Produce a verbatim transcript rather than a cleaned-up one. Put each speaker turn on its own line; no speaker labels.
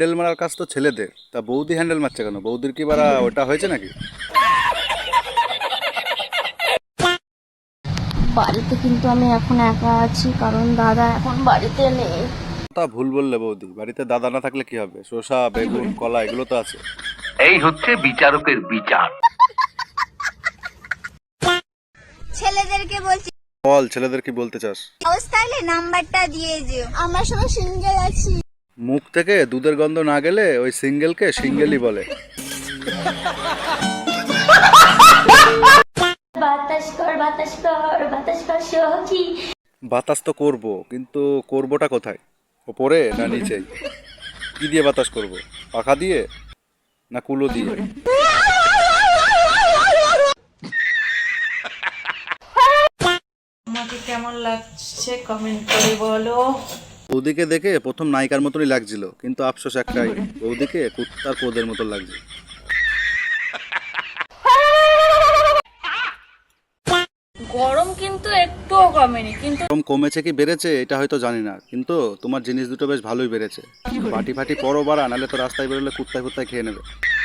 Handle মারার কাজ তো ছেলেদের, তা বৌদি হ্যান্ডেল মারছে কেন? বৌদির কি বারা ওটা হয়েছে নাকি?
বাড়িতে কিন্তু আমি এখন একা আছি, কারণ দাদা এখন বাড়িতে নেই।
তা ভুল বললে বৌদি, বাড়িতে দাদা না থাকলে কি হবে? শসা, বেগুন, কলা এগুলো তো আছে।
এই হচ্ছে বিচারকের বিচার।
ছেলেদেরকে বলছি,
বল, ছেলেদের কি বলতে চাস?
অবস্থায় নাম্বারটা দিয়ে যেও।
আমার সঙ্গে সিঙ্গেল আছি।
মুখ থেকে দুধের গন্ধ না গেলে ওই সিঙ্গেলকে সিঙ্গেলই বলে।
বাতাস কর বাতাস কর বাতাস কর সখী।
বাতাস তো করব, কিন্তু করবোটা কোথায়? ওপরে না নিচেই? কি দিয়ে বাতাস করব? পাখা দিয়ে না কুলো দিয়ে?
আমাকে কেমন লাগছে কমেন্ট করে বলো।
বৌদিকে দেখে প্রথম নায়িকার মতনই লাগছিল, কিন্তু আফসোস একটাই, বৌদিকে কুত্তার পোদের মতন লাগছে।
গরম কিন্তু একটুও কমেনি, কিন্তু
গরম কমেছে কি বেড়েছে এটা হয়তো জানি না, কিন্তু তোমার জিনিস দুটো বেশ ভালোই বেড়েছে। পাটি ফাটি পরো বাড়া, নাহলে তো রাস্তায় বেরোলে কুত্তায় কুত্তায় খেয়ে নেবে।